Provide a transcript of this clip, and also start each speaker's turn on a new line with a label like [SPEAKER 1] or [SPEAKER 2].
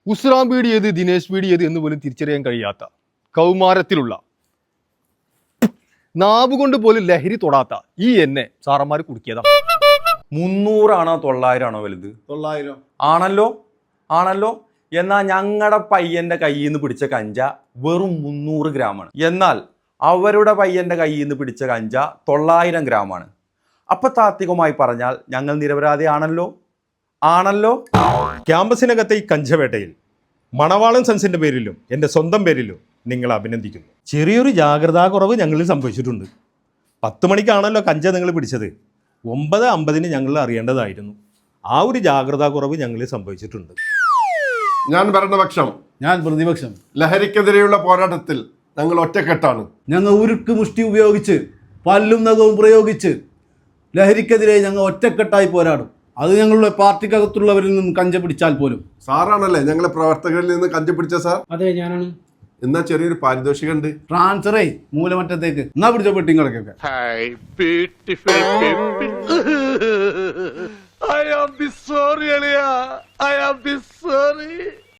[SPEAKER 1] ഉസ്രാം ബീഡി ഏത് ദിനേശ് ബീഡി ഏത് എന്ന് പോലും തിരിച്ചറിയാൻ കഴിയാത്ത കൗമാരത്തിലുള്ള നാവുകൊണ്ട് പോലും ലഹരി തൊടാത്ത ഈ എന്നെ സാറന്മാർ കുടുക്കിയതാണ്.
[SPEAKER 2] 300 ആണോ 900 ആണോ വലുത്?
[SPEAKER 3] 900
[SPEAKER 2] ആണല്ലോ. എന്നാൽ ഞങ്ങളുടെ പയ്യന്റെ കയ്യിൽ നിന്ന് പിടിച്ച കഞ്ച വെറും 300 ഗ്രാമാണ്. എന്നാൽ അവരുടെ പയ്യന്റെ കയ്യിൽ നിന്ന് പിടിച്ച കഞ്ച 900 ഗ്രാമാണ്. അപ്പൊ താത്വികമായി പറഞ്ഞാൽ ഞങ്ങൾ നിരപരാധിയാണല്ലോ.
[SPEAKER 4] ക്യാമ്പസിനകത്തെ ഈ കഞ്ചവേട്ടയിൽ മണവാളൻ സൺസിന്റെ പേരിലും എൻ്റെ സ്വന്തം പേരിലും നിങ്ങളെ അഭിനന്ദിക്കുന്നു. ചെറിയൊരു ജാഗ്രതാ കുറവ് ഞങ്ങളിൽ സംഭവിച്ചിട്ടുണ്ട്. 10 മണിക്കാണല്ലോ കഞ്ച നിങ്ങൾ പിടിച്ചത്. 9:50 ഞങ്ങൾ അറിയേണ്ടതായിരുന്നു. ആ ഒരു ജാഗ്രതാ കുറവ് ഞങ്ങളിൽ സംഭവിച്ചിട്ടുണ്ട്.
[SPEAKER 3] ഞാൻ ഭരണപക്ഷം,
[SPEAKER 5] ഞാൻ പ്രതിപക്ഷം.
[SPEAKER 3] ലഹരിക്കെതിരെയുള്ള പോരാട്ടത്തിൽ ഞങ്ങൾ ഒറ്റക്കെട്ടാണ്.
[SPEAKER 5] ഞങ്ങൾ ഉരുക്ക് മുഷ്ടി ഉപയോഗിച്ച് പല്ലും നഖവും പ്രയോഗിച്ച് ലഹരിക്കെതിരെ ഞങ്ങൾ ഒറ്റക്കെട്ടായി പോരാടും. അത് ഞങ്ങളുടെ പാർട്ടിക്കകത്തുള്ളവരിൽ നിന്നും കഞ്ച പിടിച്ചാൽ പോലും.
[SPEAKER 3] സാറാണല്ലേ ഞങ്ങളെ പ്രവർത്തകരിൽ നിന്ന് കഞ്ച പിടിച്ച സാർ?
[SPEAKER 6] അതെ, ഞാനാണ്.
[SPEAKER 3] എന്നാ ചെറിയൊരു പാരിതോഷികം ഉണ്ട്.
[SPEAKER 5] ട്രാൻസ്ഫറേ മൂലമറ്റത്തേക്ക് എന്നാ പിടിച്ച പെട്ടിങ്ങളൊക്കെ.
[SPEAKER 7] I am sorry, Alia. I am sorry.